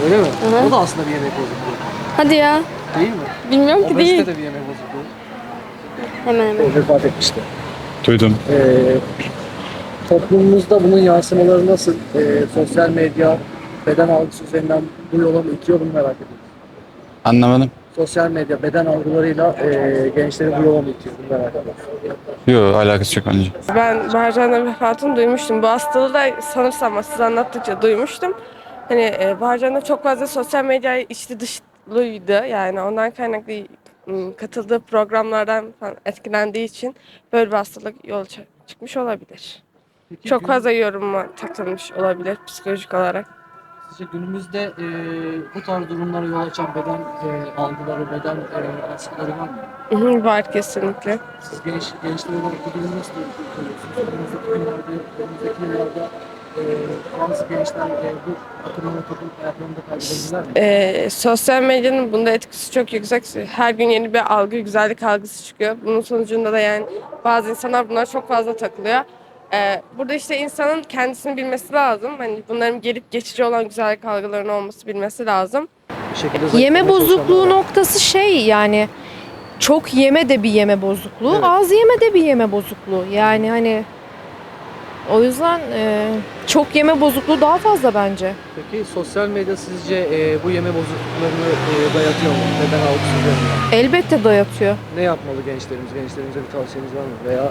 Öyle mi? Hı. O da aslında bir yemek bozukluğu. Hadi ya. Değil mi? Bilmiyorum ki Obezite değil. de bir yemek bozukluğu. Hemen hemen. O vefat etmişti. Duydum. Toplumumuzda bunun yansımaları nasıl? Sosyal medya, beden algısı üzerinden bu yola mı itiyor, bunu merak ediyorum. Anlamadım. Sosyal medya, beden algılarıyla gençleri bu yola mı itiyor, bunu merak ediyorum. Yok, alakası yok bence. Ben Baharcan'ın vefatını duymuştum. Bu hastalığı da sanırsam siz anlattıkça duymuştum. Hani Baharcan da çok fazla sosyal medyaya içli dışlıydı. Yani ondan kaynaklı katıldığı programlardan falan etkilendiği için böyle bir hastalık yol çıkmış olabilir. Peki, Çok fazla yoruma takılmış olabilir psikolojik olarak. sizce günümüzde bu tarz durumlara yol açan beden algıları, beden baskıları var mı? Var kesinlikle. Siz gençler olarak bu durumu nasıl görüyorsunuz? Önümüzdeki yıllarda bazı gençler bu akımlara kapılıp hayatlarını da kaybedebilirler mi? Sosyal medyanın bunda etkisi çok yüksek. Her gün yeni bir algı, güzellik algısı çıkıyor. Bunun sonucunda da yani bazı insanlar bunlara çok fazla takılıyor. Burada işte insanın kendisini bilmesi lazım. Hani bunların gelip geçici olan güzellik algılarının olması bilmesi lazım. Bir şekilde Yeme zayıflamaya bozukluğu çalışanlar var. noktası şey yani çok yeme de bir yeme bozukluğu, Evet. az yeme de bir yeme bozukluğu. Yani hani o yüzden çok yeme bozukluğu daha fazla bence. Peki sosyal medya sizce bu yeme bozukluklarını dayatıyor mu? Beden algısı üzerinden. Elbette dayatıyor. Ne yapmalı gençlerimiz? Gençlerimize bir tavsiyeniz var mı? Veya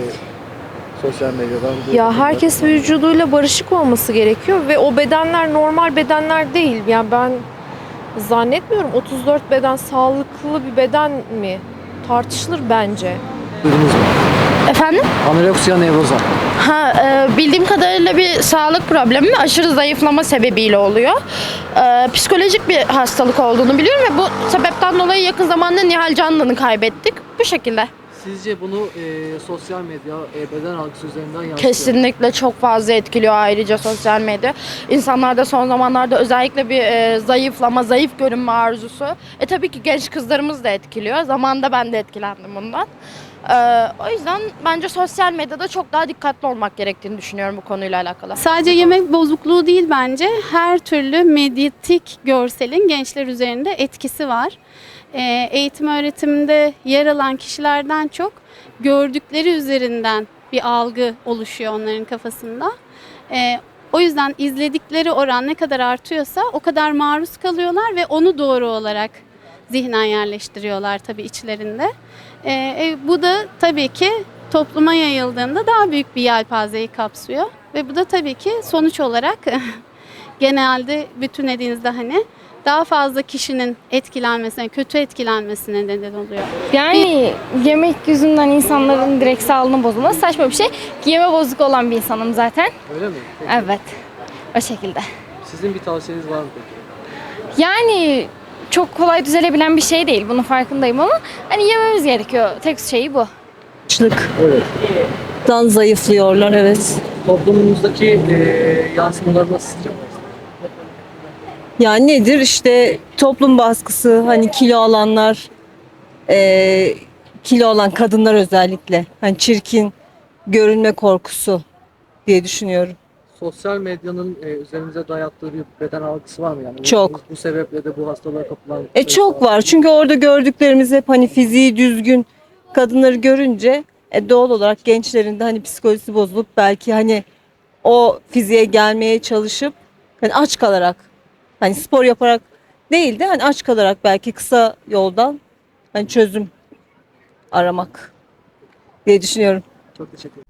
sosyal medyadan bu Ya herkes vücuduyla barışık olması gerekiyor ve o bedenler normal bedenler değil. Yani ben zannetmiyorum 34 beden sağlıklı bir beden mi? Tartışılır bence. duydunuz mu? Efendim? Anoreksiya nevroza. Bildiğim kadarıyla bir sağlık problemi ve aşırı zayıflama sebebiyle oluyor. Psikolojik bir hastalık olduğunu biliyorum ve bu sebepten dolayı yakın zamanda Nihal Canlı'nı kaybettik. Bu şekilde. Sizce bunu sosyal medya, beden algısı üzerinden yansıtıyor mu? Kesinlikle çok fazla etkiliyor ayrıca sosyal medya. İnsanlarda son zamanlarda özellikle bir zayıflama, zayıf görünme arzusu. Tabii ki genç kızlarımız da etkiliyor. Zamanında ben de etkilendim bundan. O yüzden bence sosyal medyada çok daha dikkatli olmak gerektiğini düşünüyorum bu konuyla alakalı. Sadece yemek bozukluğu değil bence. Her türlü medyatik görselin gençler üzerinde etkisi var. Eğitim öğretiminde yer alan kişilerden çok gördükleri üzerinden bir algı oluşuyor onların kafasında. O yüzden izledikleri oran ne kadar artıyorsa o kadar maruz kalıyorlar ve onu doğru olarak zihnen yerleştiriyorlar tabii içlerinde. Bu da tabii ki topluma yayıldığında daha büyük bir yelpazeyi kapsıyor. Ve bu da tabii ki sonuç olarak genelde bütünlediğinizde hani daha fazla kişinin etkilenmesine, kötü etkilenmesine neden oluyor. Yani yemek yüzünden insanların direkt sağlığının bozulması saçma bir şey. Yeme bozuk olan bir insanım zaten. Öyle mi? Peki. Evet. O şekilde. Sizin bir tavsiyeniz var mı peki? Yani çok kolay düzelebilen bir şey değil. Bunun farkındayım ama hani yememiz gerekiyor. Tek şeyi bu. Evet. Dan zayıflıyorlar, evet. Toplumumuzdaki yansımaları nasıl sizce? Yani nedir işte toplum baskısı, hani kilo alanlar, kilo olan kadınlar özellikle hani çirkin görünme korkusu diye düşünüyorum. Sosyal medyanın üzerimize dayattığı bir beden algısı var mı yani? Çok. Bu sebeple de bu hastalığa kapılan... Çok var çünkü orada gördüklerimiz hep hani fiziği düzgün kadınları görünce doğal olarak gençlerin de hani psikolojisi bozulup belki hani o fiziğe gelmeye çalışıp hani aç kalarak hani spor yaparak değil de hani aç kalarak belki kısa yoldan hani çözüm aramak diye düşünüyorum. Çok teşekkür ederim.